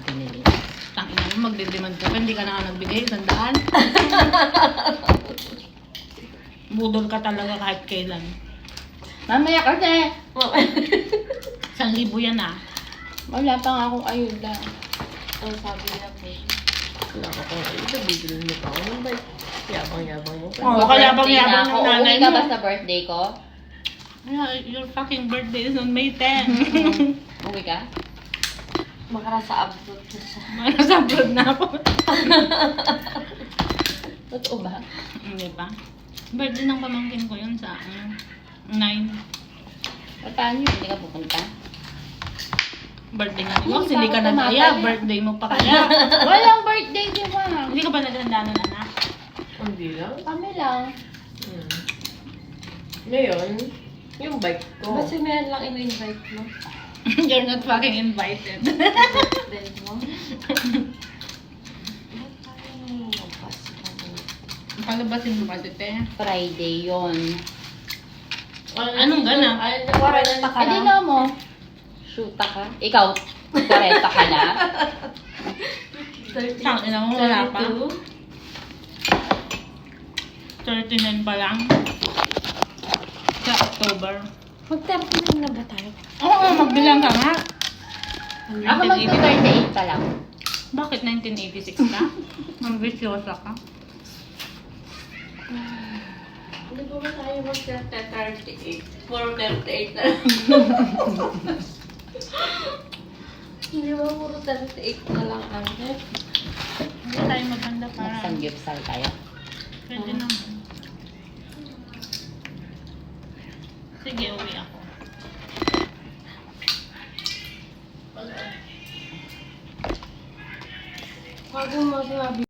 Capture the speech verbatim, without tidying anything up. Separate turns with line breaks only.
binili.
Tangina mo, magdidemand ka pa, hindi ka na nga nagbigay, sandaan. Budol ka talaga kahit kailan.
Mamaya kasi!
Isang libo yan ah.
Wala pa nga akong ayuda.
Ang sabi niya po.
Wala ka pang ayuda, bibili mo pa ako ng bike. Yabang-yabang mo pa.
Oo, kaya bang
Birthday
yabang
na
ng
ako.
nanay
Uwi ka
mo.
ba sa birthday ko?
Yeah, your fucking birthday is on May tenth.
Uwi ka?
Makara sa abroad na siya.
Nasa abroad na ako.
Totoo ba?
Hindi pa. Birthday ng pamangkin ko yun sa ano, nine.
Paano yun? Hindi ka pupunta?
Birthday nga ni Mox,
Hindi
hindi
pa
ka
ako
nagaya.
tumatay.
Birthday mo pa kaya.
Walang birthday, di ba?
Hindi ka ba naghanda ng anak?
Hindi lang.
Kami lang.
Hmm. Ngayon, yung bike ko.
Ba't si Mel lang ino-invite mo?
You're not fucking invited.
Then mo? Ba't tayo lumabas ka doon?
Palabasin mo kasi, te.
Friday yon.
Anong ganap?
Ay,
Kwarenta ka
Ay, di
lang.
na mo. Shoota ka. Ikaw, koreta ka na.
Tangina mo, wala pa.
thirty-two?
thirty-nine pa lang. Sa October.
Mag-thirty-nine na ba tayo?
Oo, magbilang ka nga.
Ako magka-thirty-eight pa lang.
Bakit nineteen eighty-six ka? Ambisyosa ka.
Hindi ba ba tayo mag-thirty-eight? four thirty-eight na lang. Hindi ba puro thirty-eight na lang ang
Hindi tayo maganda para.
Magsanggipsal tayo.
Pwede naman. Sige, uwi ako.
Bago mo sinabi